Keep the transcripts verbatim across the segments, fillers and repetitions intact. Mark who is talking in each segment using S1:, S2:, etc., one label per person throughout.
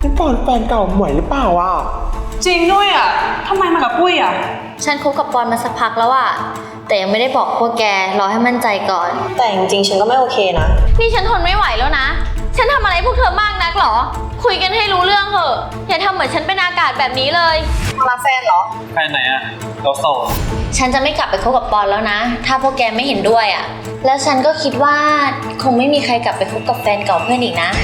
S1: นี่ปอนแฟนเก่าหมวยหรือเปล่าอ่ะ
S2: จริงด้วยอ่ะทำไมมากับปุ้ยอ่ะ
S3: ฉันคบกับปอนมาสักพักแล้วอะแต่ยังไม่ได้บอกพวกแกรอให้มั่นใจก่อน
S4: แต่จริงๆฉันก็ไม่โอเคนะ
S3: นี่ฉันทนไม่ไหวแล้วนะฉันทำอะไรพวกเธอมากนักหรอคุยกันให้รู้เรื่องเถอะอย่าทำเหมือนฉันเป็นอากาศแบบนี้เลย
S4: มาแฟนเหรอ
S5: แฟนไหนอะเราโสด
S3: ฉันจะไม่กลับไปคบกับปอนแล้วนะถ้าพวกแกไม่เห็นด้วยอะแล้วฉันก็คิดว่าคงไม่มีใครกลับไปคบกับแฟนเก่าเพื่อนอีกนะ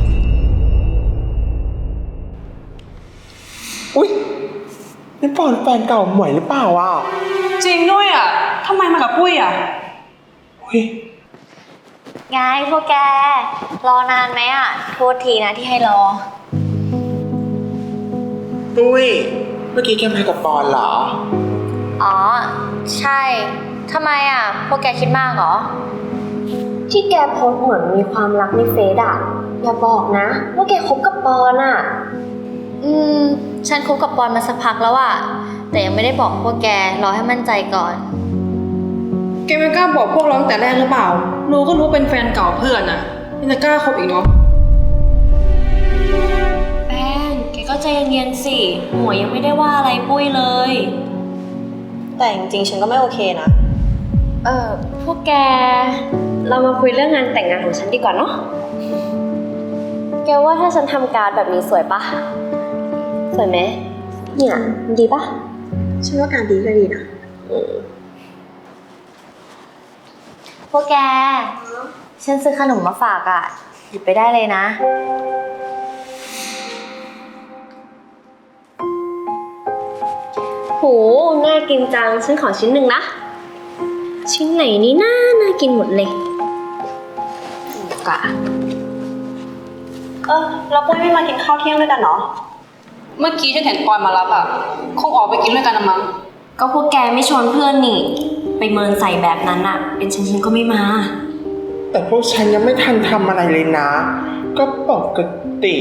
S1: อุ๊ยนี่ปอนแฟนเก่าหมวยหรือเปล่าอ่ะ
S2: จริงด้วยอ่ะทำไมมากับปุ้ยอ่ะ
S1: อุ๊ย
S3: ไงพวกแกรอนานไหมอ่ะโทษทีนะที่ให้รอ
S1: ปุ้ยเมื่อกี้แกมากับปอนเหรอ
S3: อ๋อใช่ทำไมอ่ะพวกแกคิดมากเหรอ
S4: ที่แกโพสเหมือนมีความรักในเฟซอ่ะอย่าบอกนะว่าแกคบกับปอนอ่ะ
S3: อืมฉันคบกับปอนมาสักพักแล้วอะแต่ยังไม่ได้บอกพวกแกรอให้มั่นใจก่อน
S2: แกไม่กล้าบอกพวกเราตั้งแต่แรกหรือเปล่ารู้ก็รู้เป็นแฟนเก่าเพื่อนอ่ะยังจะกล้าคบอีกเนาะ
S3: แป้งแกก็ใจเย็นๆสิหมวยยังไม่ได้ว่าอะไรปุ้ยเลย
S4: แต่จริงๆฉันก็ไม่โอเคนะ
S3: เออพวกแก
S4: เรามาคุยเรื่องงานแต่งงานของฉันดีกว่าเนาะแกว่าถ้าฉันทำการ์ดแบบนี้สวยปะสวยไหมเนี่ยดีปะฉันว่าการดีก็ดีนะ
S3: พวกแกฉันซื้อขนมมาฝากอ่ะหยิบไปได้เลยนะ
S4: โหน่ากินจังฉันขอชิ้นหนึ่งนะชิ้นไหนนี่น่าน่ากินหมดเลยกะเออเราปุ้ยไม่มากินข้าวเที่ยงด้วยกันเหรอ
S2: เมื่อกี้ฉันเห็นปอนมารับอ่ะคงออกไปกินด้วยกันนะมั้ง
S4: ก็พวกแกไม่ชวนเพื่อนนี่ไปเมินใส่แบบนั้นอะเป็นฉันฉันก็ไม่มา
S1: แต่พวกฉันยังไม่ทันทำอะไรเลยนะก็ปกติ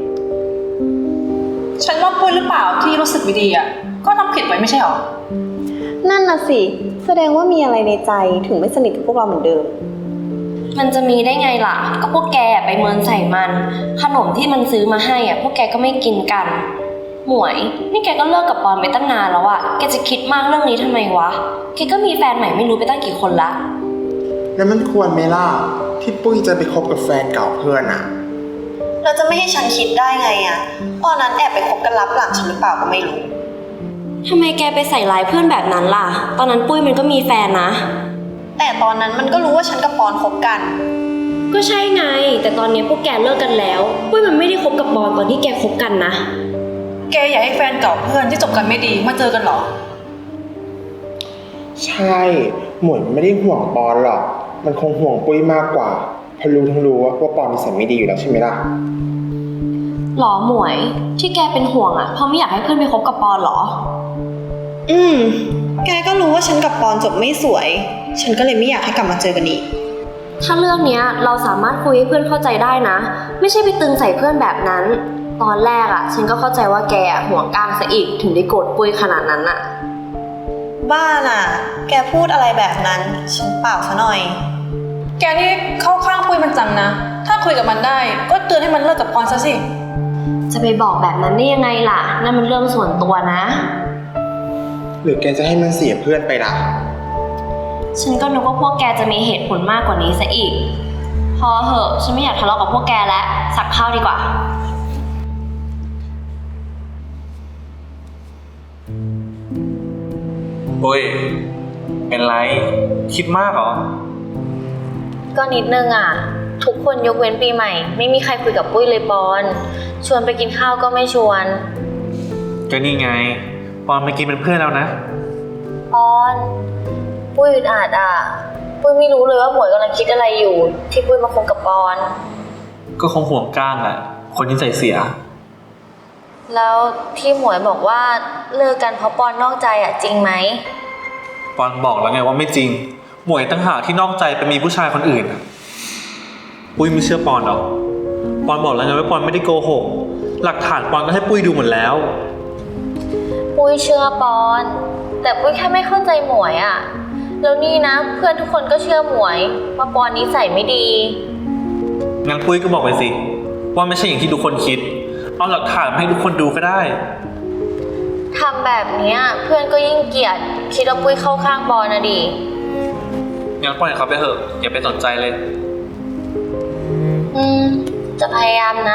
S2: ฉันว่าปุ้ยหรือเปล่าที่รู้สึกไม่ดีอ่ะก็ทำผิดไว้ไม่ใช่หรอ
S4: นั่นน่ะสิแสดงว่ามีอะไรในใจถึงไม่สนิทกับพวกเราเหมือนเดิมมันจะมีได้ไงล่ะก็พวกแกไปเมินใส่มันขนมที่มันซื้อมาให้อ่ะพวกแกก็ไม่กินกันหมวยนี่แกก็เลิกกับปอนไปตั้งนานแล้วอ่ะแกจะคิดมากเรื่องนี้ทำไมวะแกก็มีแฟนใหม่ไม่รู้ไปตั้งกี่คนละ
S1: แล้วมันควรไหมล่ะที่ปุ้ยจะไปคบกับแฟนเก่าเพื่อนอ่ะ
S4: เราจะไม่ให้ฉันคิดได้ไงอ่ะตอนนั้นแอบไปคบกันลับหลังฉันหรือเปล่าก็ไม่รู้ทำไมแกไปใส่ร้ายเพื่อนแบบนั้นล่ะตอนนั้นปุ้ยมันก็มีแฟนนะแต่ตอนนั้นมันก็รู้ว่าฉันกับปอนคบกันก็ใช่ไงแต่ตอนนี้พวกแกเลิกกันแล้วปุ้ยมันไม่ได้คบกับปอนตอนที่แกคบกันนะ
S2: แกอยากให้แฟนเก่าเพื่อนที่จบกันไม่ดีมาเจอกันหรอ
S1: ใช่หมวยไม่ได้ห่วงปอนหรอกมันคงห่วงปุ้ยมากกว่าเพราะรู้ทั้งรู้ว่าปอนนิสัยไม่ดีอยู่แล้วใช่ไหมล่ะ
S4: หรอหมวยที่แกเป็นห่วงอ่ะเพราะไม่อยากให้เพื่อนไปคบกับปอนหรออืมแกก็รู้ว่าฉันกับปอนจบไม่สวยฉันก็เลยไม่อยากให้กลับมาเจอกันอีกถ้าเรื่องเนี้ยเราสามารถคุยให้เพื่อนเข้าใจได้นะไม่ใช่ไปตึงใส่เพื่อนแบบนั้นตอนแรกอ่ะฉันก็เข้าใจว่าแกห่วงก้างซะอีกถึงได้โกรธปุ้ยขนาดนั้นอ่ะบ้าน่ะแกพูดอะไรแบบนั้นฉันเปล่าซะหน่อย
S2: แกนี่เข้าข้างปุ้ยมันจังนะถ้าคุยกับมันได้ก็เตือนให้มันเลิกกับปอนซะสิ
S4: จะไปบอกแบบนั้นได้ยังไงล่ะนั่นมันเรื่องส่วนตัวนะ
S1: หรือแกจะให้มันเสียเพื่อนไปล่ะ
S4: ฉันก็นึกว่าพวกแกจะมีเหตุผลมากกว่านี้ซะอีกพอเหอะฉันไม่อยากทะเลาะกับพวกแกแล้วสักข้าวดีกว่า
S5: ปุ้ยเป็นไรคิดมากเหรอ
S3: ก็นิดนึงอ่ะทุกคนยกเว้นปีใหม่ไม่มีใครคุยกับปุ้ยเลยปอนชวนไปกินข้าวก็ไม่ชวน
S5: ก็นี่ไงปอนเมื่อกี้เป็นเพื่อนแล้วนะ
S3: ปอนปุ้ยอึดอัดอ่ะปุ้ยไม่รู้เลยว่าหมวยกำลังคิดอะไรอยู่ที่ปุ้ยมาคบกับปอน
S5: ก็คงห่วงก้างแหละคนที่ใจเสีย
S3: แล้วที่หมวยบอกว่าเลิกกันเพราะปอนนอกใจอ่ะจริงไหม
S5: ปอนบอกแล้วไงว่าไม่จริงหมวยตั้งหากที่นอกใจไปมีผู้ชายคนอื่นปุ้ยไม่เชื่อปอนหรอกปอนบอกแล้วไงว่าปอนไม่ได้โกหกหลักฐานปอนก็ให้ปุ้ยดูหมดแล้ว
S3: ปุ้ยเชื่อปอนแต่ปุ้ยแค่ไม่เข้าใจหมวยอ่ะแล้วนี่นะเพื่อนทุกคนก็เชื่อหมวยว่าปอนนิสัยไม่ดี
S5: งั้นปุ้ยก็บอกไปสิว่าไม่ใช่อย่างที่ทุกคนคิดเอาหลักฐานมาให้ทุกคนดูก็ได้
S3: ทำแบบเนี้ยเพื่อนก็ยิ่งเกลียด คิดว่าปุ้ยเข้าข้างปอนนะดิ
S5: งั้นปล่อยเขาไปเถอะอย่าไปสนใจเลย
S3: อืม จะพยายามนะ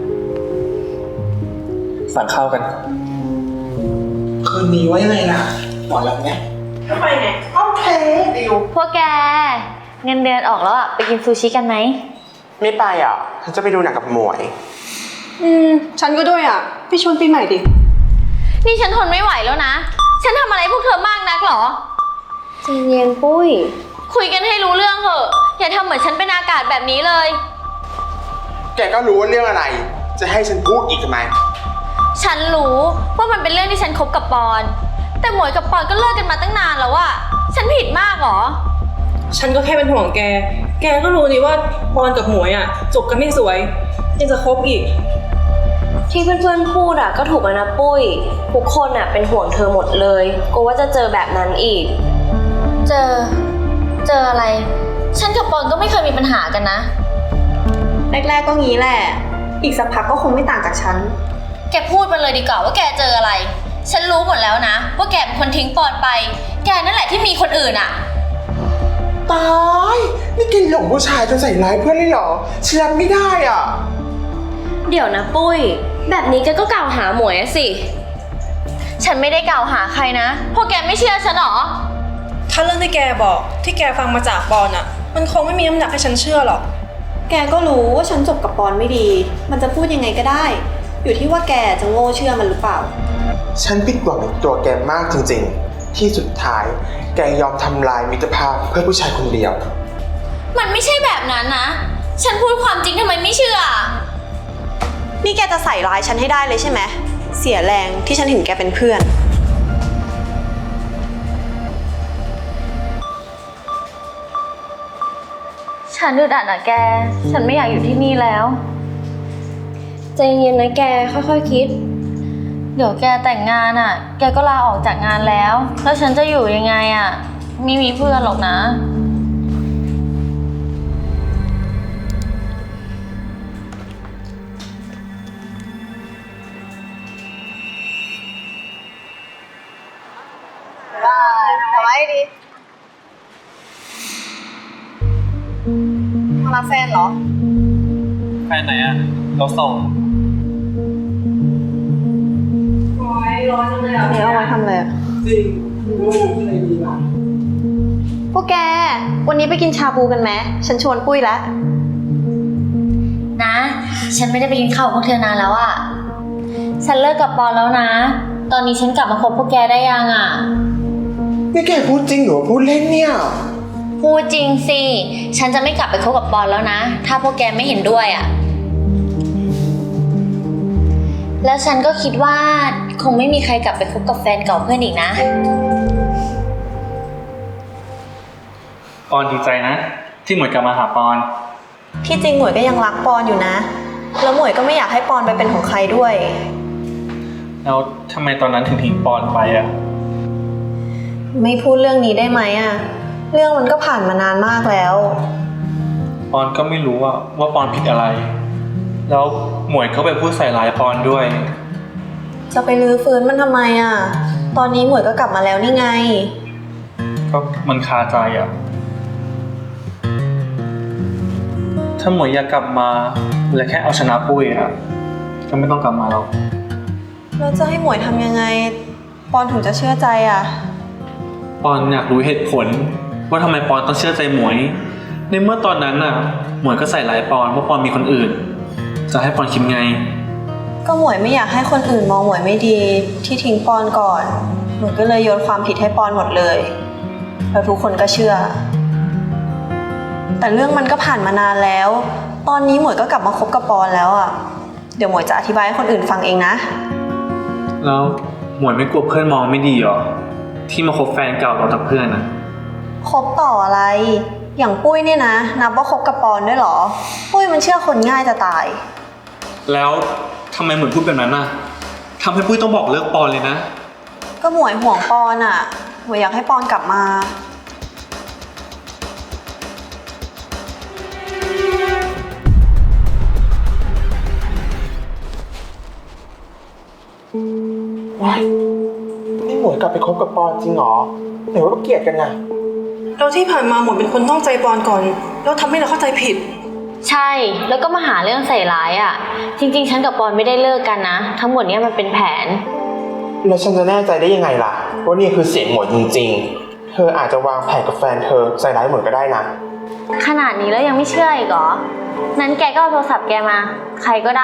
S5: สั่งข้าวกัน
S1: คืนนี้ว่ายังไงล่ะหมอรับไงก็ไปไงโอเคดิว
S3: พวกแก เงินเดือนออกแล้วอะไปกินซูชิกันไหม
S1: ไม่ไปอ่ะฉันจะไปดูหนังกับหมวย
S2: อืม ฉันก็ด้วยอ่ะ พี่ชวนปีใหม่ดิ
S3: นี่ฉันทนไม่ไหวแล้วนะ ฉันทำอะไรพวกเธอมากนักเหรอใจเย็นปุ้ย คุยกันให้รู้เรื่องเถอะ อย่าทำเหมือนฉันเป็นอากาศแบบนี้เลย
S1: แกก็รู้ว่าเรื่องอะไร จะให้ฉันพูดอีกทำไม
S3: ฉันรู้ว่ามันเป็นเรื่องที่ฉันคบกับปอน แต่หมวยกับปอนก็เลิกกันมาตั้งนานแล้วอะฉันผิดมากเหรอ
S2: ฉันก็แค่เป็นห่วงแก แกก็รู้นี่ว่าปอนกับหมวยอ่ะจบกันไม่สวย ยังจะคบอีก
S4: ที่เพื่อนๆพูดอะก็ถูกแล้วนะปุ้ย ทุกคนอะเป็นห่วงเธอหมดเลยกลัวว่าจะเจอแบบนั้นอีก
S3: เจอ เจออะไร ฉันกับปอนก็ไม่เคยมีปัญหากันนะ
S4: แรกๆก็งี้แหละ อีกสักพักก็คงไม่ต่างจากฉัน
S3: แกพูดมาเลยดีกว่าว่าแกเจออะไร ฉันรู้หมดแล้วนะ ว่าแกเป็นคนทิ้งปอนไป แกนั่นแหละที่มีคนอื่นอะ
S1: ตาย นี่แกหลงผู้ชายจนใส่ร้ายเพื่อนเลยเหรอฉันรับไม่ได้อ่ะ
S4: เดี๋ยวนะปุ้ย แบบนี้แกก็กล่าวหาหมวยอะสิ
S3: ฉันไม่ได้กล่าวหาใครนะ พวกแกไม่เชื่อฉันหรอ
S2: ถ้าเรื่องที่แกบอกที่แกฟังมาจากปอนอ่ะ มันคงไม่มีน้ำหนักให้ฉันเชื่อหรอก
S4: แกก็รู้ว่าฉันจบกับปอนไม่ดี มันจะพูดยังไงก็ได้ อยู่ที่ว่าแกจะโง่เชื่อมันหรือเปล่า
S1: ฉันผิดหวังในตัวแกมากจริงๆ ที่สุดท้าย แกยอมทำลายมิตรภาพเพื่อผู้ชายคนเดียว
S3: มันไม่ใช่แบบนั้นนะ ฉันพูดความจริงทำไมไม่เชื่อ
S4: นี่แกจะใส่ร้ายฉันให้ได้เลยใช่ไหม เสียแรงที่ฉันถึงแกเป็นเพื่อน
S3: ฉันอึดอัดอะแก ฉันไม่อยากอยู่ที่นี่แล้ว
S4: ใจเย็นนะแกค่อยๆคิด
S3: เดี๋ยวแกแต่งงานอะแกก็ลาออกจากงานแล้ว แล้วฉันจะอยู่ยังไงอะไม่มีเพื่อนหรอกนะ
S4: ได้ทำไมดีมารับแฟนเหรอ
S5: ไปไหนอะเราส่ง
S4: อันนี้เอาไว้ทำอะไรอะ
S1: จริงรู้อะไรดีล่ะ
S4: พวกแก วันนี้ไปกินชาบูกันไหม ฉันชวนปุ้ยแล้ว
S3: นะ ฉันไม่ได้ไปกินข้าวกับพวกเธอนานแล้วอะฉันเลิกกับปอนแล้วนะ ตอนนี้ฉันกลับมาคบพวกแกได้ยังอะ
S1: นี่แกพูดจริงหรือพูดเล่นเนี่ย
S3: พูดจริงสิ ฉันจะไม่กลับไปคบกับปอนแล้วนะ ถ้าพวกแกไม่เห็นด้วยอะแล้วฉันก็คิดว่าคงไม่มีใครกลับไปคบกับแฟนเก่าเพื่อนอีกนะ
S5: ปอนดีใจนะ ที่หมวยกลับมาหาปอน
S4: ที่จริงหมวยก็ยังรักปอนอยู่นะ แล้วหมวยก็ไม่อยากให้ปอนไปเป็นของใครด้วย
S5: แล้วทำไมตอนนั้นถึงทิ้งปอนไปอะ
S4: ไม่พูดเรื่องนี้ได้ไหมอะเรื่องมันก็ผ่านมานานมากแล้ว
S5: ปอนก็ไม่รู้อะว่าปอนผิดอะไร แล้วหมวยก็ไปพูดใส่ร้ายปอนด้วย
S4: จะไปรื้อฟื้นมันทำไมอะตอนนี้หมวยก็กลับมาแล้วนี่ไง
S5: ก็มันคาใจอะถ้าหมวยอยากกลับมาและแค่เอาชนะปุ้ยอะก็ไม่ต้องกลับมาหรอก
S4: แล้วจะให้หมวยทำยังไง ปอนถึงจะเชื่อใจอะ
S5: ปอนอยากรู้เหตุผลว่าทำไมปอนต้องเชื่อใจหมวย ในเมื่อตอนนั้นน่ะ หมวยก็ใส่ร้ายปอนว่าปอนมีคนอื่น จะให้ปอนคิดไง
S4: ก็หมวยไม่อยากให้คนอื่นมองหมวยไม่ดี ที่ทิ้งปอนก่อนหมวยก็เลยโยนความผิดให้ปอนหมดเลย แล้วทุกคนก็เชื่อ แต่เรื่องมันก็ผ่านมานานแล้ว ตอนนี้หมวยก็กลับมาคบกับปอนแล้วอะเดี๋ยวหมวยจะอธิบายให้คนอื่นฟังเองนะ
S5: แล้วหมวยไม่กลัวเพื่อนมองไม่ดีหรอที่มาคบแฟนเก่าเราจากเพื่อนน่ะ
S4: คบต่ออะไร อย่างปุ้ยเนี่ยนะ นับว่าคบกับปอนด้วยเหรอ ปุ้ยมันเชื่อคนง่ายจะตาย
S5: แล้วทำไมเหมือนพูดแบบนั้นน่ะทำให้ปุ้ยต้องบอกเลิกปอนเลยนะ
S4: ก็หมวยห่วงปอนอะหมวยอยากให้ปอนกลับมา
S1: ว้ายนี่หมวยกลับไปคบกับปอนจริงเหรอไหนว่าเกลียดกันไง
S2: แล้วที่ผ่านมาหมวยเป็นคนนอกใจปอนก่อนแล้วทำให้เราเข้าใจผิด
S3: ใช่ แล้วก็มาหาเรื่องใส่ร้ายอ่ะ จริงๆ ฉันกับปอนไม่ได้เลิกกันนะ ทั้งหมดเนี้ยมันเป็นแผน
S1: แล้วฉันจะแน่ใจได้ยังไงล่ะว่านี่คือเสียงหมวยจริงๆ เธออาจจะวางแผนกับแฟนเธอใส่ร้ายหมวยก็ได้นะ
S3: ขนาดนี้แล้วยังไม่เชื่ออีกเหรอ นั้นแกก็เอาโทรศัพท์แกมา ใครก็ได้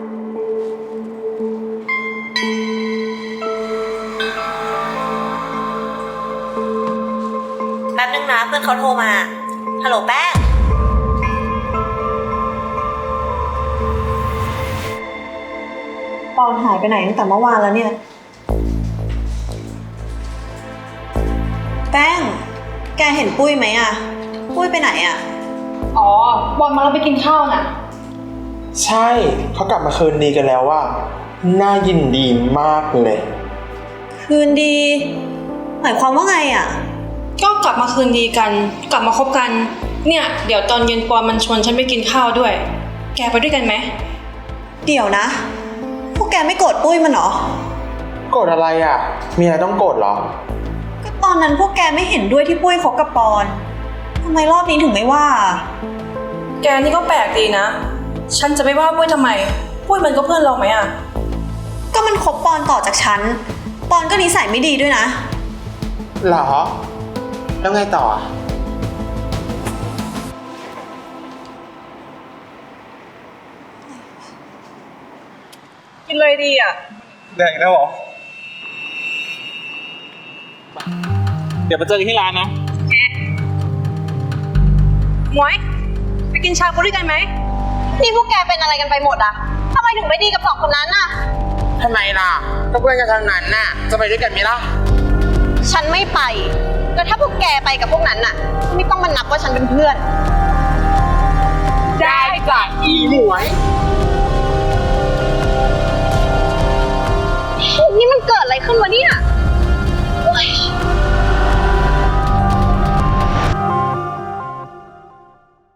S4: แป๊บนึงนะเพื่อนเขาโทรมา ฮัลโหลแป้ง ปอนหายไปไหนตั้งแต่เมื่อวานแล้วเนี่ย แป้ง แกเห็นปุ้ยไหมอะปุ้ยไปไหนอะ
S2: อ๋อ บอลมาแล้วไปกินข้าวน่ะ
S1: ใช่เขากลับมาคืนดีกันแล้วว่าน่ายินดีมากเลย
S4: คืนดี หมายความว่าไงอะ
S2: ก็กลับมาคืนดีกัน กลับมาคบกัน เนี่ย เดี๋ยวตอนเย็นปอนมันชวนฉันไปกินข้าวด้วย แกไปด้วยกันไหม
S4: เดี๋ยวนะ พวกแกไม่โกรธปุ้ยมันเหรอ
S1: โกรธอะไรอ่ะ มีอะไรต้องโกรธเหรอ
S4: ก็ตอนนั้นพวกแกไม่เห็นด้วยที่ปุ้ยคบกับปอนทำไมรอบนี้ถึงไม่ว่า
S2: แกนี่ก็แปลกดีนะ ฉันจะไม่ว่าปุ้ยทำไม ปุ้ยมันก็เพื่อนเราไหมอ่ะ
S4: ก็มันคบปอนต่อจากฉัน ปอนก็นิสัยไม่ดีด้วยนะ
S1: เหรอ แล้วไงต่ออ่ะ
S2: กินเลยดีอ่ะ
S5: แดกแล้วเหรอ เดี๋ยวมาเจอกันที่ร้านนะ
S2: หมวย ไปกินชาบูด้วยกันไหม
S4: นี่พวกแกเป็นอะไรกันไปหมดอะทำไมถึงไม่ดีกับสองคนนั้นน่ะ
S1: ทำไมล่ะก็เพื่อนกันทางนั้นน่ะ จะไปด้วยกันไหมล่ะ
S4: ฉันไม่ไป แล้วถ้าพวกแกไปกับพวกนั้นน่ะ ไม่ต้องมานับว่าฉันเป็นเพื่อน
S1: ได้จ้ะอีหมวย
S4: นี่มันเกิดอะไรขึ้นวะเนี่ย